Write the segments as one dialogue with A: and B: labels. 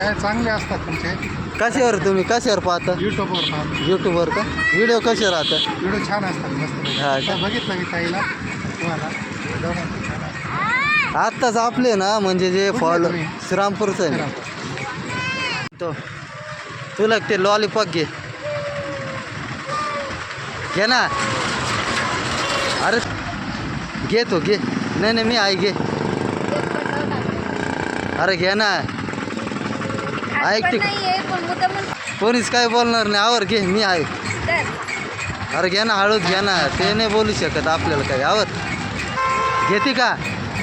A: काय चांगले असतात तुमचे.
B: कशावर तुम्ही कशावर पाहता?
A: युट्यूबवर पाहतो.
B: यूट्यूबवर का? व्हिडिओ कसे राहतात?
A: व्हिडिओ छान असतात मस्त.
B: हा का?
A: बघितलं मी ताईला तुम्हाला दोघांचं छान असतं.
B: आत्ताच आपले ना म्हणजे जे
A: कुठले
B: फॉलो
A: तुम्ही?
B: श्रीरामपूरचं आहे ना. तो तुला ते लॉलीपॉप घे ना. अरे घे तो घे. नाही नाही मी आहे घे. अरे घे ना. ऐक ते कोणीच काय बोलणार नाही. आवर घे मी आहे. अरे घे ना हळूच घे ना. ते नाही बोलू शकत आपल्याला काही. आवर घेते का?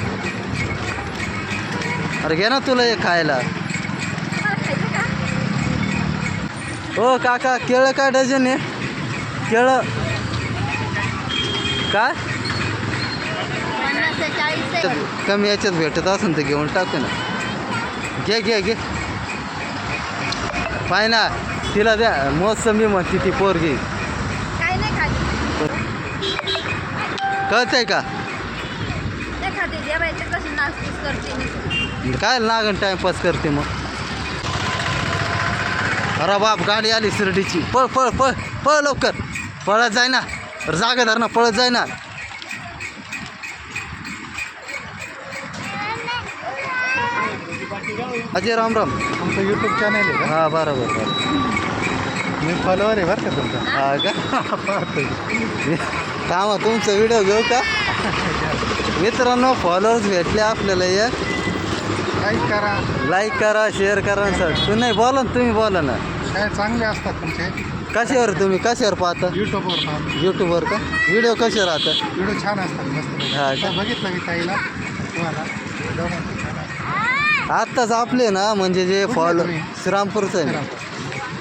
B: अरे घे ना तुला हे खायला. हो काका केळं काय डझन आहे? केळं काय कमी याच्यात भेटत असेल तर घेऊन टाकू ना. घे घे घे. पाय ना तिला द्या. मोसंबी म्हणते ती पोरगी. कळतंय का? काय लागण टाइमपास करते मग. अरे बाप गाडी आली शिर्डीची. पळ पळ पळ पळ लवकर. पळत जाय ना. जागा धर ना. पळत जाय ना. अजय राम राम.
A: तुमचं यूट्यूब चॅनल आहे का?
B: हां बरोबर बरोबर.
A: मी फॉलोवर आहे बरं का तुमचा.
B: हा का?
A: पाहतो.
B: थांबा तुमचा व्हिडिओ घेऊ का? मित्रांनो फॉलोअर्स भेटले आपल्याला. एक
A: लाईक करा.
B: लाईक करा शेअर करा सर. तू नाही बोला ना. तुम्ही बोला ना.
A: काय चांगले असतात तुमचे.
B: कशावर तुम्ही कशावर पाहता?
A: युट्यूबवर पाहतो.
B: यूट्यूबवर का? व्हिडिओ कसे राहतात?
A: व्हिडिओ छान असतात मस्त.
B: हा का?
A: बघितलं मी ताईला तुम्हाला दोघांचं छान असतं.
B: आत्ताच आपले ना म्हणजे जे
A: कुठले
B: फॉलो
A: तुम्ही?
B: श्रीरामपूरचं आहे ना.